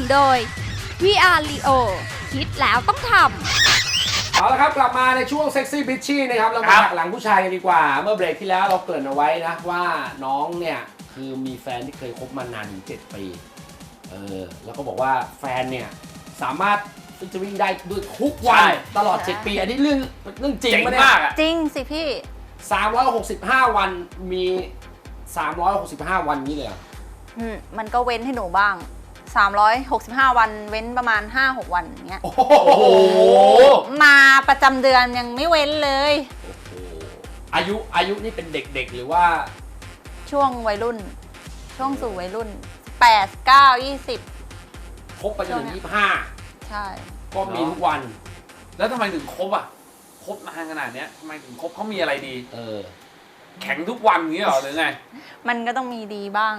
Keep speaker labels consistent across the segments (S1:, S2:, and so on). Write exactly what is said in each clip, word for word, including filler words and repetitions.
S1: โดย วี อาร์ Leo คิดแล้วต้องทำ
S2: เอาละครับกลับมาในช่วงเซ็กซี่บิชชี่นะครับเรามาหักหลังผู้ชายกันดีกว่าเมื่อเบรกที่แล้วเราเกริ่นเอาไว้นะว่าน้องเนี่ยคือมีแฟนที่เคยคบมานานถึงเจ็ดปีเออแล้วก็บอกว่าแฟนเนี่ยสามารถฟิชเจอริ่งได้ด้วยทุกวันตลอดเจ็ดปีอันนี้เรื่องเรื่องจริงมาก
S3: จริงสิพี่
S2: สามร้อยหกสิบห้าวันมีสามร้อยหกสิบห้าวันนี้เลย
S3: อืมมันก็เว้นให้หนูบ้างสามร้อยหกสิบห้าวันเว้นประมาณ ห้าหก วันอย่างเงี้ย
S2: โอ้โห
S3: มาประจำเดือนยังไม่เว้นเลย
S2: อายุอายุนี่เป็นเด็กๆหรือว่า
S3: ช่วงวัยรุ่นช่วงสู่วัยรุ่นแปด เก้า ยี่สิบ
S2: คบไปจนถึงยี่สิบห้า
S3: ใช่
S2: ก็มีทุกวัน
S4: แล้วทำไมถึงคบอ่ะคบนานขนาดเนี้ยทำไมถึงคบเขามีอะไรดี
S2: เออ
S4: แข็งทุกวันอย่างนี้เหรอหรือไง
S3: มันก็ต้องมีดีบ้าง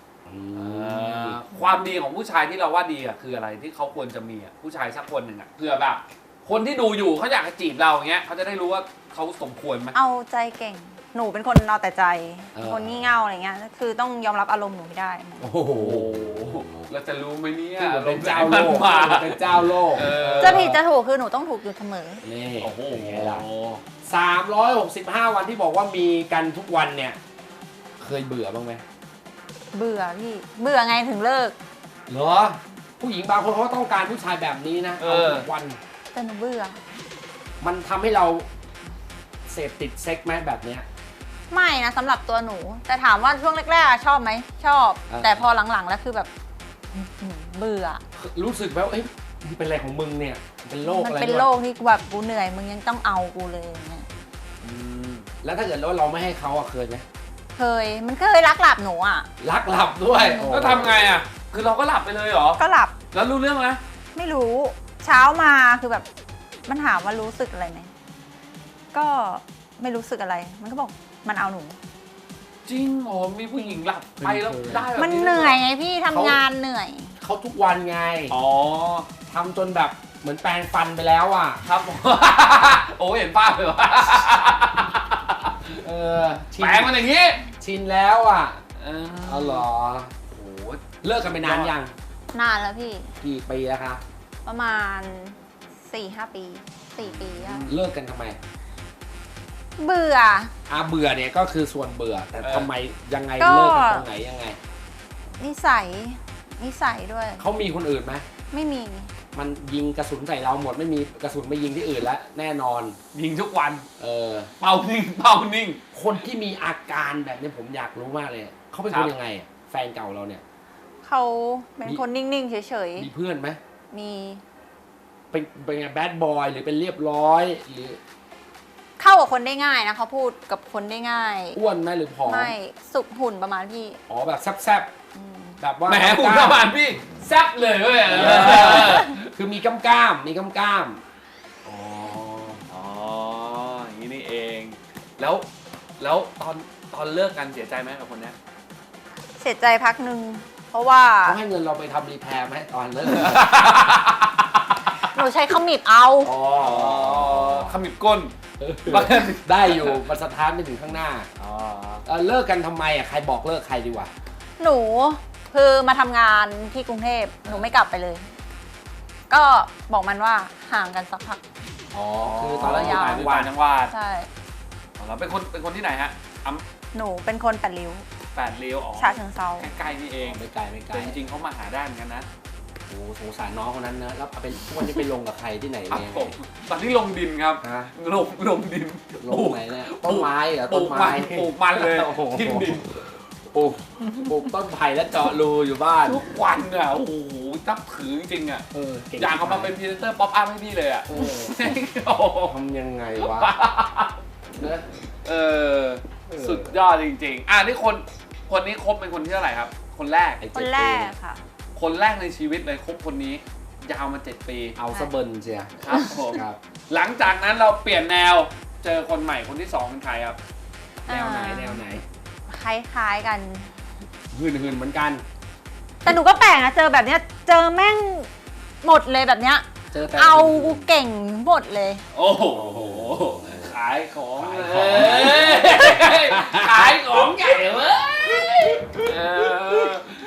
S4: ความดีของผู้ชายที่เราว่าดีอ่ะคืออะไรที่เขาควรจะมีอ่ะผู้ชายสักคนหนึ่งอ่ะเพื่อแบบคนที่ดูอยู่เขาอยากจะจีบเราอย่างเงี้ยเขาจะได้รู้ว่าเขาสมควรไหม
S3: เอาใจเก่งหนูเป็นคนเอาแต่ใจคนงี่เง่าอะไรเงี้ยคือต้องยอมรับอารมณ์หนูให้ได้
S2: โอ้โห
S4: เราจะรู้ไหมเนี่ย
S2: เป็นเจ้าโลกเป็นเจ้าโลก
S3: จะผิดจะถูกคือหนูต้องถูกอยู่เสมอ
S2: นี่โอ้โหสามร้อยหกสิบห้าวันที่บอกว่ามีกันทุกวันเนี่ยเคยเบื่อบ้างไหม
S3: เบื่อพี่เบื่อไงถึงเลิก
S2: เหรอผู้หญิงบางคนเขาต้องการผู้ชายแบบนี้นะเอาทุกวัน
S3: แต่หนูเบื่อ
S2: มันทำให้เราเสพติดเซ็กไหมแบบเนี้ย
S3: ไม่นะสำหรับตัวหนูแต่ถามว่าช่วงแรกๆชอบไหมชอบแต่พอหลังๆแล้วคือแบบเบื่อ
S2: รู้สึกแบบเอ้ยมันเป็นอะไรของมึงเนี่ยเป็นโรคอะไร
S3: มันเป็นโรคที่แบบกูเหนื่อยมึงยังต้องเอากูเลยอย่างเงี้ย
S2: แล้วถ้าเกิดว่าเราไม่ให้เขาอะเคยไหม
S3: เคยมันเคยรักหลับหนูอะ
S2: รักหลับด้วย
S4: แล้วทำไงอะคือเราก็หลับไปเลยเหรอ
S3: ก็หลับ
S4: แล้วรู้เรื่องไหม
S3: ไม่รู้เช้ามาคือแบบมันถามว่ารู้สึกอะไรไหมก็ไม่รู้สึกอะไรมันก็บอกมันเอาหนู
S4: จริงโอ้มีผู้หญิงหลับไปแล้วได้แบบ
S3: มันเหนื่อยไงพี่ทำงานเหนื่อย
S2: เขาทุกวันไง
S4: อ๋อ
S2: ทำจนแบบเหมือนแปรงฟันไปแล้วอ่ะ
S4: ครับโอ้เห็นภาพเลยว่ะ
S2: เออ
S4: แปรงมันอย่างนี้
S2: ชินแล้วอ่ะ
S4: เออ
S2: เอาหรอโอ้เลิกกันไปนานยัง
S3: นานแล้วพี่
S2: กี่ปีแล้วคะ
S3: ประมาณ สี่ห้า ปีสี่ปีอะ
S2: เลิกกันทำไม
S3: เบื่อ
S2: อ่ะเบื่อเนี่ยก็คือส่วนเบื่อแต่ทำไมยังไงเลิกกันตรงไหนยังไง
S3: นิสัยนิสัยด้วย
S2: เขามีคนอื่นไหม
S3: ไม่มี
S2: มันยิงกระสุนใส่เราหมดไม่มีกระสุนไปยิงที่อื่นแล้วแน่นอน
S4: ยิงทุกวัน
S2: เออ
S4: เป่านิ่งเป่านิ่ง
S2: คนที่มีอาการแบบนี้ผมอยากรู้มากเลยเขาเป็นคนยังไงแฟนเก่าเราเนี่ย
S3: เขาเป็นคนนิ่งๆเฉย
S2: ๆมีเพื่อนไหม
S3: มี
S2: เป็นเป็นไงแบดบอยหรือเป็นเรียบร้อยหรือ
S3: เข้ากับคนได้ง่ายนะเขาพูดกับคนได้ง่าย
S2: อ้วนไหมหรือผอม
S3: ไม่สุกหุ่นประมาณพี่
S2: อ๋อแบบแซบๆแบบว่า
S4: แหมหุ่นประมาณพี่แซบเลยเว้ย
S2: คือมีกล้ามกล้ามมีกล้ามกล้าม
S4: อ๋ออ๋ออย่างนี้นี่เองแล้วแล้วตอนตอนเลิกกันเสียใจไหมกับคนนี้
S3: เสียใจพักหนึ่งเพราะว่า
S2: เขาให้เงินเราไปทำรีแพร์ไหมตอนเลิก
S3: หนูใช้ขมิบเอา
S2: อ๋อ
S4: ขมิบก้น
S2: ได้อยู่มันสะท้านไปถึงข้างหน้าอ๋อเลิกกันทำไมอ่ะใครบอกเลิกใครดีกว่า
S3: หนูคือมาทำงานที่กรุงเทพหนูไม่กลับไปเลยก็บอกมันว่าห่างกันสักพัก
S2: อ๋อคือตอนแรกอยู่ต่างจังห
S4: วัด
S3: ใช่
S4: เราเป็นคนเป็นคนที่ไหนฮะ
S3: หนูเป็นคนแปดริ้ว
S4: แปดริ้วอ๋อ
S3: ฉะเชิงเทรา
S4: ใกล้ๆนี่เอง
S2: ไม่ไกลไม่ไกล
S4: แต่จริงๆเขามาหาได้เหมือนกันนะ
S2: โอ้สงสารน้องคนนั้นนะแล้วเป็นพวกนี้ไปลงกับใครที่ไหนเนี่ย
S4: ตอนที่ลงดินครับลงลงดิน
S2: ลงไหนเนี่ยต้นไม้เหรอต้นไม้
S4: ปลูกมันเลยทิ้งดิน
S2: ปลูกปลูกต้นไผ่แล้วเจาะรูอยู่บ้าน
S4: ทุกวันอ่ะโอ้โหนับถือจริงๆอ่ะอยากเอามาเป็นพรีเซนเตอร์ป๊อปอัพให้พี่เลยอ่ะ
S2: ทำยังไงวะ
S4: เออสุดยอดจริงๆอ่ะนี่คนคนนี้คบเป็นคนที่เท่าไหร่ครับคนแรก
S3: คนแรกค่ะ
S4: คนแรกในชีวิตเลยคบคนนี้ยาวมาเจ็ดปี
S2: เอาซะเบิร์นเชีย
S4: ครับผมหลังจากนั้นเราเปลี่ยนแนวเจอคนใหม่คนที่สองเป็นใครครับ
S2: แนวไหนแนวไหน
S3: คล้ายๆกัน
S2: หืนหืนเหมือนกัน
S3: แต่หนูก็แปลกนะเจอแบบเนี้ยเจอแม่งหมดเลยแบบเนี้ยเอากูเก่งหมดเลย
S4: โอ้โหขายของขายของใหญ่เว้ย
S2: ไปเจอที่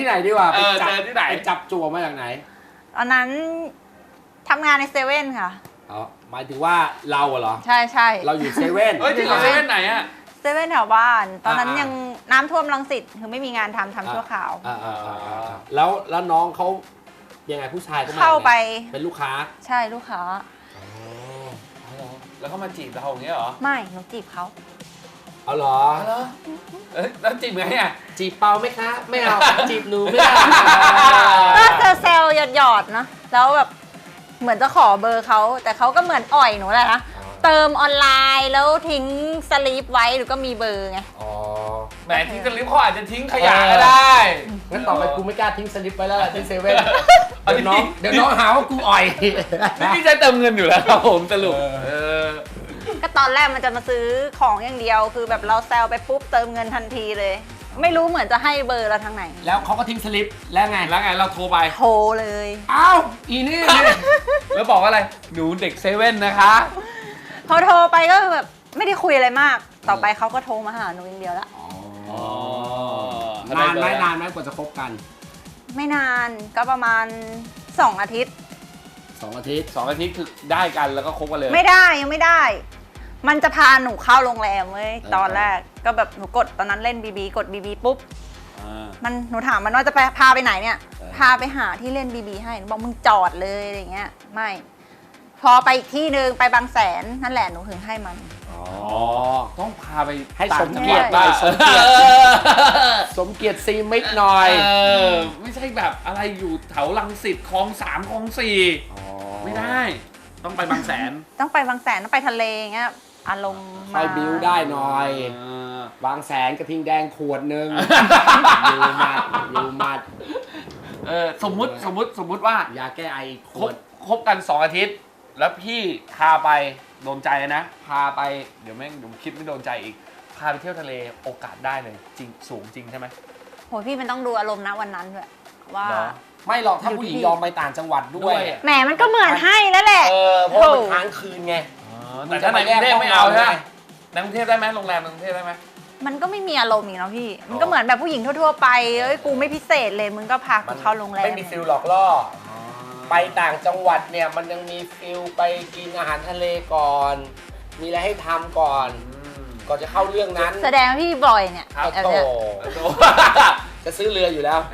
S2: ที่ไหนดีกว่า
S4: เออ
S2: ไปจับ
S4: เจอที่ไหน
S2: ไปจับจั่วมาจากไหน
S3: ตอนนั้นทำงานในเซเว่นค่ะ
S2: อ๋อหมายถึงว่าเราอะเหรอ
S3: ใช่ใช่
S2: เราอยู่เซเว่น
S4: เฮ้ยจริงเหรอเซเว่นไหนอะ
S3: เซเว่นแถวบ้าน ตอนนั้น
S2: อ่ายั
S3: ยังน้ำท่วมรังสิตคือไม่มีงานทำทำชั่วคราว
S2: อ่าอ่าอ่าอ่าแล้วแล้วน้องเขายังไงผู้ชายก็มา
S3: เข้าไป
S2: เป็นลูกค้า
S3: ใช่ลูกค้า
S2: อ๋อ
S4: แล้วก็มาจีบเราอย่างเงี้ยเหรอ
S3: ไม่หนูจีบเขา
S2: เอาเหรอ
S4: อ๋อเหรอเอ้ยแล้วจีบไงอ่ะ
S2: จีบเปาไหมคะ ไม่เอา จีบหนูไม่ได้
S3: ก็เซลล์หยอดๆนะแล้วแบบเหมือนจะขอเบอร์เขาแต่เขาก็เหมือนอ่อยหนูแหละนะเติมออนไลน์แล้วทิ้งสลีปไว้หรือก็มีเบอร์ไง
S2: อ๋อ
S4: แหมทิ้งสลิปเขาอาจจะทิ้งขยะก็ได้
S2: งั้นต่อไปกูไม่กล้าทิ้งสลิปไปแล้วล่ะที่เซเว่น
S4: อัน
S2: เดี๋
S4: นี้
S2: ยวน้องเดี๋ยวน้องหาว่ากูอ่อย
S4: นี่พี่ใช้เติมเงินอยู่แล้วครับผมสรุป
S2: เออ
S4: เออ
S3: ก็ตอนแรกมันจะมาซื้อของอย่างเดียว คือแบบเราแซลไปปุ๊บเติมเงินทันทีเลย ไม่รู้เหมือนจะให้เบอร์เราทางไหน
S2: แล้วเขาก็ทิ้งสลิปแล้วไง
S4: แล้วไงเราโทรไป
S3: โทรเลย
S2: อ้าวอีนี่นี่
S4: แล้วบอกว่าอะไร หนูเด็กเซเว่นนะคะ
S3: พอโทรไปก็แบบไม่ได้คุยอะไรมาก ต่อไปเขาก็โทรมาหาหนูอย่างเดียวละ
S2: อ๋อ นานไหมนานไหมกว่าจะคบกัน
S3: ไม่นานก็ประมาณสองอาทิตย์
S2: สองอาทิตย์
S4: สองอาทิตย์คือได้กันแล้วก็คบกันเลย
S3: ไม่ได้ยังไม่ได้ มันจะพาหนูเข้าโรงแรมเว้ยตอนแรกก็แบบหนูกดตอนนั้นเล่นบีบีกดบีบีปุ๊บ
S4: อ่า
S3: มันหนูถามมันว่าจะไปพาไปไหนเนี่ย พาไปหาที่เล่นบีบีให้หนูบอกมึงจอดเลยอะไรเงี้ย ไม่ พอไปอีกที่นึงไปบางแสนนั่นแหละหนูถึงให้มัน
S2: อ๋อ
S4: ต้องพาไป
S2: ให้สม
S4: ต่าง
S2: เกียรติหน่อยส
S4: จั
S2: ม
S4: งห
S2: เกียร
S4: วั
S2: ติ
S4: ด
S2: สมเกียรติซีมิกหน่อย
S4: เออไม่ใช่แบบอะไรอยู่แถวลังสิตคลองสามคลองสี่ไม่ได้ ต้องไปบางแสน
S3: ต้องไปบางแสนต้องไปทะเลเงี้ยอารมณ์
S2: ค่อยบิ้วได้หน่อย
S4: เออ
S2: บางแสนกระทิงแดงขวดหนึ่งยูมัดยูมัด
S4: เออสมมุติสมมุติสมมุติว่า
S2: ยาแก้ไอข
S4: คว บ
S2: ด
S4: คบกันสองอาทิตย์ แล้วพี่พาไปโดนใจนะ พาไปเดี๋ยวแม่งเดี๋ยวคิดไม่โดนใจอีก พาไปเที่ยวทะเลโอกาสได้เลยจริงสูงจริงใช่ไหม
S3: โหพี่มันต้องดูอารมณ์นะวันนั้นด้วยว่า
S4: เหรอ
S2: ไม่หรอกถ้าผู้หญิงยอมไปต่างจังหวัดด้วย
S3: แหมมันก็เหมือนให้แล้วแหละ
S2: เออเพราะว่ามันค้างคืนไง
S4: แต่ถ้าในกรุงเทพไม่เอาใช่ไหมในกรุงเทพได้ไหมโรงแรมในกรุงเทพได้ไหม
S3: มันก็ไม่มีอารมณ์อีกเนาะพี่ มันก็เหมือนแบบผู้หญิงทั่วๆไปเอ้ยกูไม่พิเศษเลยมึงก็พากูเข้าโรงแรม
S2: ไม่มีฟิลหลอกล่อ ไปต่างจังหวัดเนี่ยมันยังมีฟิลไปกินอาหารทะเลก่อน มีอะไรให้ทำก่อน ก่อนจะเข้าเรื่องนั้น
S3: แสดงว่าพี่บ่อยเนี่ย
S2: ครับ
S3: แบบ
S2: โต
S3: เนี้ย
S2: จะซื้อเรืออยู่แล้ว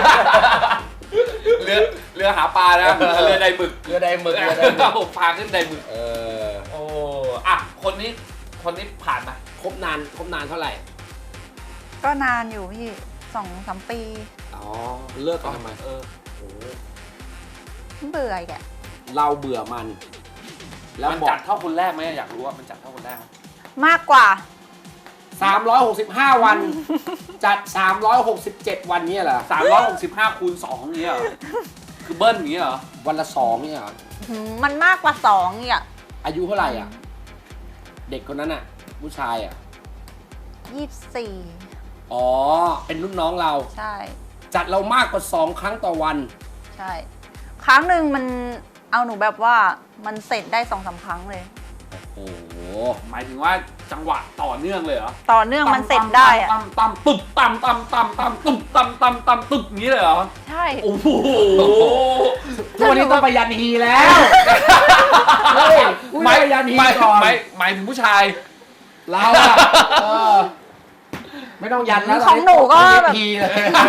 S4: เรือเรือหาปลานะเรือใดหมึก
S2: เรือใดหมึกเรือใดหมึก
S4: ผมพาขึ้นใดหมึก
S2: เออ
S4: โอ้อะคนนี้คนนี้ผ่านมา
S2: คบนานคบนานเท่าไหร่
S3: ก็นานอยู่พี่สองสามปี
S2: อ๋อเลิกกันทำไม
S4: เออ
S2: โอ้โห
S3: เบื่ออีกอะ
S2: เราเบื่อมัน แล้ว
S4: มัน
S2: บอ
S4: จั
S2: ก
S4: ดเท่าคนแรกไหมอยากรู้ว่ามันจัดเท่าคนแรกไหม
S3: มากกว่า
S2: สามร้อยหกสิบห้าวัน จัดสามร้อยหกสิบเจ็ดวันเนี่ยเหรอ
S4: สามร้อยหกสิบห้าคูณสองอย่างเงี้ยเหรอคือเบิ้ลอย่างเงี้ยเหรอ
S2: วันละสองเนี่ยเหรอ
S3: หืมมันมากกว่าสองอีกอะ
S2: อายุเท่าไหร่อ่ะ เด็กคนนั้นอ่ะ ผู้ชายอ่ะ
S3: ยี่สิบสี่
S2: อ๋อ เป็นรุ่นน้องเรา
S3: ใช่
S2: จัดเรามากกว่าสองครั้งต่อวัน
S3: ใช่ ครั้งหนึ่งมันเอาหนูแบบว่ามันเสร็จได้สองสามครั้งเลย
S2: โอ้โห
S4: หมายถึงว่าจังหวะต่อเนื่องเลยเหรอ
S3: ต่อเนื่องมันเสร็จได้อะ
S4: ตั้มตั้มตึ๊บตั้มตั้มตั้มตั้มตึ๊บตั้มตั้มตั้มตึ๊บอย่างนี้เลยเหรอ
S3: ใช่
S4: โอ้โห
S2: ทุกวันนี้ต้องไปยันฮีแล้ว เฮ้ยกู
S4: หมาย
S2: ไปยันฮี
S4: หมาย
S2: ก่อน
S4: หมายหมายถึงผู้ชาย
S2: เราอะเออไม่ต้องยันแล้ว
S3: ของหนูก็แบบ
S2: ฮีเลย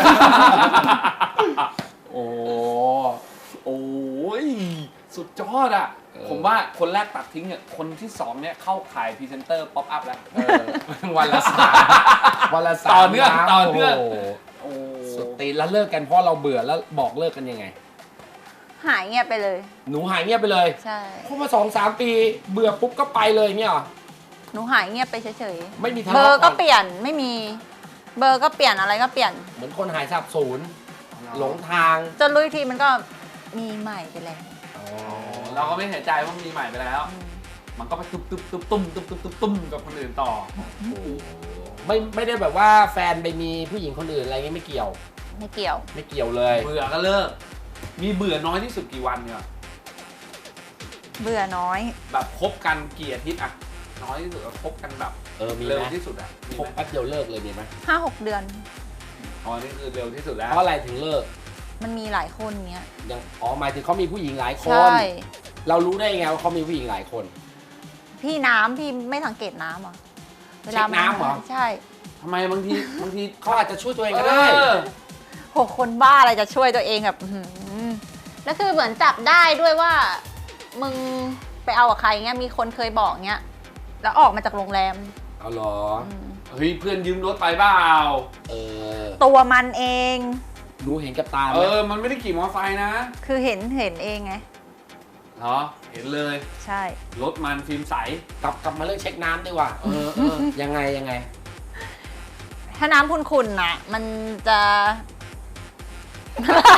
S4: โอ้โอ้ยสุดยอดอ่ะ ผมว่าคนแรกตัดทิ้งเนี่ยคนที่สองเนี่ยเข้าขายพรีเซนเตอร์ป๊อปอัพแล้ว
S2: เออวันละสามวันละสาม
S4: ต่อเนื่อง
S2: น้ำ
S4: ต่อเนื่อง
S2: โโห
S4: โอ้
S2: สุดตีนแล้วเลิกกันเพราะเราเบื่อแล้วบอกเลิกกันยังไง
S3: หายเงียบไปเลย
S2: หนูหายเงียบไปเลย
S3: ใช่
S2: คบมาสองสามปีเบื่อปุ๊บก็ไปเลยเนี่ยเหรอ
S3: หนูหายเงียบไปเฉย
S2: ไม่มีทะ
S3: ๆ เบอ
S2: เลาะ
S3: ร์ก็
S2: น
S3: เปลี่ยนไม่มี เบอร์ก็เปลี่ยนอะไรก็เปลี่ยน
S2: เหมือนคนหายสับสูญหลงทาง
S3: จนรู้อีกทีมันก็มีใหม่ไปแล้ว
S4: เราก็ไม่เสียใจว่ามีใหม่ไปแล้ว
S3: อืม
S4: มันก็ไปตุ้มตุ้มตุ้มตุ้มตุ้มตุ้มตุ้มตุ้มกับคนอื่นต่อ
S2: ไม่ไม่ได้แบบว่าแฟนไปมีผู้หญิงคนอื่นอะไรเงี้ยไม่เกี่ยว
S3: ไม่เกี่ยว
S2: ไม่เกี่ยวเลย
S4: เบื่อก็เลิก มีเบื่อน้อยที่สุดกี่วันเนี่ย
S3: เบื่อน้อย
S4: แบบคบกันกี่อาทิตย์อะน้อยที่สุดอะคบกันแบบ
S2: เออมี
S4: เร็ว
S2: ไหม
S4: ที่สุดอะมี
S2: คบ
S4: ไหม
S2: แป๊บเดียวเลิกเลยมีไหม
S3: ห้าหกเดือน
S2: โ
S4: อ๋อนี่คือเร็วที่สุดแล้ว
S2: เพราะอะไรถึงเลิก
S3: มันมีหลายคนเงี้ย
S2: ยังอ๋อหมายถึงเขามีผู้หญิงหลายค
S3: ใช่
S2: น เรารู้ได้ไงว่าเขามีผู้หญิงหลายคน
S3: พี่น้ำพี่ไม่สังเกตน้ำเหรอเวลา
S2: เช็คน้ำเหรอ
S3: ใช่
S4: ทำไมบางทีบางที
S2: เขาอาจจะช่วยตัวเองก็ได้
S4: เออ
S3: หกคนบ้าอะไรจะช่วยตัวเองแบบอื้อหือแล้วคือเหมือนจับได้ด้วยว่า มึงไปเอากับใครเงี้ยมีคนเคยบอกเงี้ยแล้วออกมาจากโรงแรม
S2: เอาเหรอ
S3: อืม
S4: เฮ้ยเพื่อนยืมรถไปเปล่า
S2: เออ
S3: ตัวมันเอง
S2: รู้เห็นกับตาไห
S4: เอ
S2: ม
S4: อมันไม่ได้ขี่มอเตอร์ไซค์นะ
S3: คือเห็นเห็นเองไง
S4: เหรอเห็นเลย
S3: ใช่
S4: รถมันฟิล์มใส
S2: กลับกลับมาเรื่องเช็คน้ำดีกว่า เออเออ ยังไงยังไง
S3: ถ้าน้ำขุ่นๆน่ะ มันจะอะไร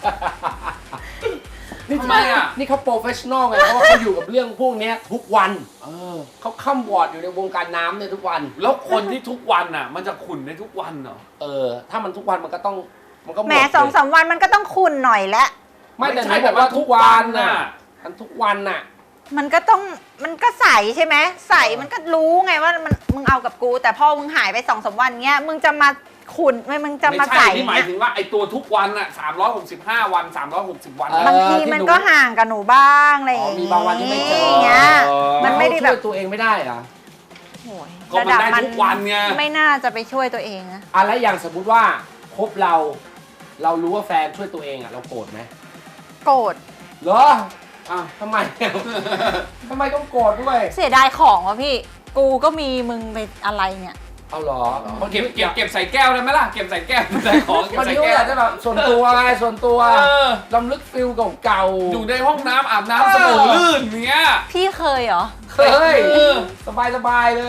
S2: นี่
S4: ทำไมอ่ะ
S2: นี่เขาโปรเฟชชั่นอลไง เพราะว่าเขาอยู่กับเรื่องพวกเนี้ยทุกวัน
S4: เออ
S2: เขาข้ามวอร์ดอยู่ในวงการน้ำเนี่ยทุกวัน
S4: แล้วคนที่ทุกวันน่ะ มันจะขุ่นในทุกวันเหรอ
S2: เออ ถ้ามันทุกวันมันก็ต้อง มันก็หม
S3: แหม
S2: ด
S3: สอง
S2: สิ
S3: สามวันมันก็ต้องขุ่นหน่อยแล้ว
S2: ไม่แต่
S4: ไม่
S2: ไห
S4: ใช่
S2: นบอกว่า
S4: แต่ว่า
S2: ทุกวัน
S4: ทุกวัน
S2: น่ะ
S4: น่ะ
S2: มันทุกวันน่ะ
S3: มันก็ต้องมันก็ใสใช่ไหมใสมันก็รู้ไงว่ามันมึงเอากับกู แต่พอมึงหายไปสองสามวันเงี้ยมึงจะมาขุ่นไม่มึงจะ
S4: ไม่
S3: มาใส
S4: ใช่ที่หมาย
S3: เงี้ย
S4: ถึงว่าไอตัวทุกวันน่ะสามร้อยหกสิบห้าวันสามร้อยหกสิบวัน
S2: เออ
S3: บางทีมันก็ห่างกับหนูบ้างอะไรอย่าง
S2: อ๋อมี
S3: งี้
S2: บางวันที่ไม่เจอ
S3: เงี้ย
S4: เออ
S3: มันไม่ได้แบบ
S2: ช่วยตัวเองไม่ได้เหรอ
S3: โอ้ย
S4: ก็มันได้ทุกวันไง
S3: ไม่น่าจะไปช่วยตัวเองนะ
S2: อะไรอย่างสมมุติว่าคบเรา เรารู้ว่าแฟนช่วยตัวเองอ่ะเราโกรธไหม
S3: โกรธ
S2: เหรอ
S4: อ่ะ
S2: ทำไม ทำไมต้องโกรธด้วย
S3: เสียดายของวะพี่ กูก็มีมึงไปอะไรเนี่ย
S2: เอาเหรอ
S4: เก็บเก็บเก็บใส่แก้วได้ไหมล่ะ เก็บใส่แก้วใส่ของเก็บ
S2: มัน
S4: ใส่
S2: นี่
S4: แก้
S2: อาว จจะแบบส่วนตัวไงส่วนตัว
S4: เออ
S2: ลำลึกฟิลเก่าๆ
S4: อยู่ในห้องน้ำอาบน้ำเสมอลื่นอย่างเงี้ย
S3: พี่เคยเหรอ
S2: เฮ้ย
S4: เออ
S2: สบายสบายๆเลย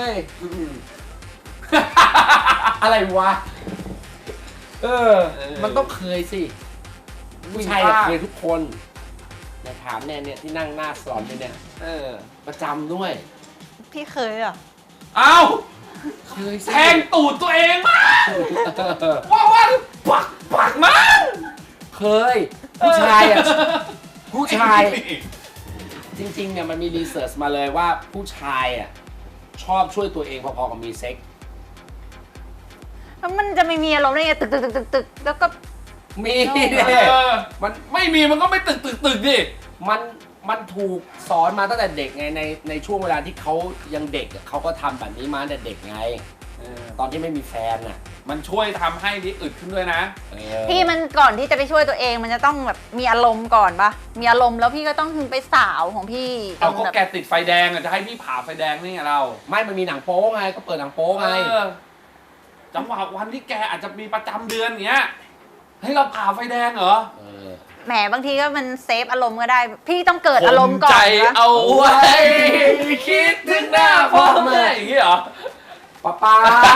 S2: อะไรวะ เออ มันต้องเคยสิผู้ชายอะเคยทุกคนแต่ถามเนี่ยเนี่ยที่นั่งหน้าสลอนเนี่ย
S4: เออ
S2: ประจำด้วย
S3: พี่เคยเหรอ
S4: เอ้า
S2: เคยสิ
S4: แทงตูดตัวเองมากว่าวันปักปักมั้ง
S2: เคย ผู้ชายอ่ะ ผู้ชาย จริงๆเนี่ยมันมีรีเสิร์ชมาเลยว่าผู้ชายอ่ะชอบช่วยตัวเองพอๆกับมีเซ็ก
S3: แล้วมันจะไม่มีอารมณ์ได้ไงตึกตึกตึกตึกตึกแล้วก็
S2: มี
S3: เอ
S2: เนี่ย
S4: เออ
S2: มัน
S4: ไม่มีมันก็ไม่ตึกตึกตึกดิ
S2: มันมันถูกสอนมาตั้งแต่เด็กไงในในช่วงเวลาที่เขายังเด็กอะเขาก็ทำแบบนี้มาตั้งแต่เด็กไง
S4: เออ
S2: ตอนที่ไม่มีแฟนอ่ะ
S4: มันช่วยทำให้ดิอึดขึ้นด้วยนะ
S2: เออ
S3: พี่มันก่อนที่จะไปช่วยตัวเองมันจะต้องแบบมีอารมณ์ก่อนปะมีอารมณ์แล้วพี่ก็ต้องถึงไปสาวของพี่ต
S4: เอา
S3: รง
S4: ก็
S3: แบบ
S4: แกติดไฟแดงอ่ะจะให้พี่ผ่าไฟแดงนี่ไงเรา
S2: ไม่มันมีหนังโป๊ไงก็เปิดหนังโป๊ไง
S4: เออจังหวะวันที่แกอาจจะมีประจำเดือนเงี้ยให้เราผ่าไฟแดงเหรอ
S2: เออ
S3: แหมบางทีก็มันเซฟอารมณ์ก็ได้ พี่ต้องเกิดอารมณ์ก่อน
S4: ใจ
S3: นะ
S4: เอาไว้คิดถึงหน้าพ่อแม่อย่างงี้เหรอ
S2: ป้าป้า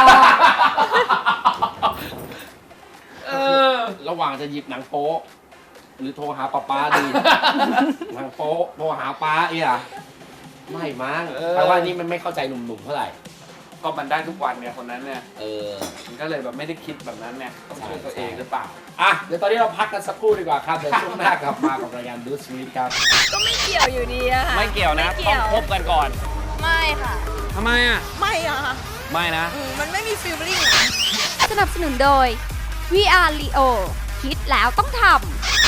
S4: เออ
S2: ระหว่างจะหยิบหนังโป๊หรือโทรหาป้าป้าดี หนังโป๊โทรหาป้าเอี่ยไม่มั้ง
S4: เออ
S2: แปลว่านี่มันไม่เข้าใจหนุ่มๆเท่าไหร่
S4: ก็มันได้ทุกวันเนี่ยคนนั้นเนี่ย
S2: เออ
S4: มันก็เลยแบบไม่ได้คิดแบบนั้นเนี่ยต้องช่วยตัวเองหรือเปล่า
S2: อ่ะ เดี๋ยวตอนนี้เราพักกันสักครู่ดีกว่าครับ เดี๋ยวช่วงหน้ากลับมากับรายการดูสวีทครับ
S1: ก็ไม่เกี่ยวอยู่ดีอะค่ะ
S4: ไม่เกี่ยวนะ
S1: ไม่เกี่
S4: ต้อ
S1: ยว
S4: งคบกันก่อน
S1: ไม่ค่ะ
S4: ทำไมอ่ะ
S1: ไม่อะค่ะ
S4: ไม่นะ
S1: อืมมันไม่มีฟีลลิ่งอะสนับสนุนโดย วี อาร์ Leo คิดแล้วต้องทำ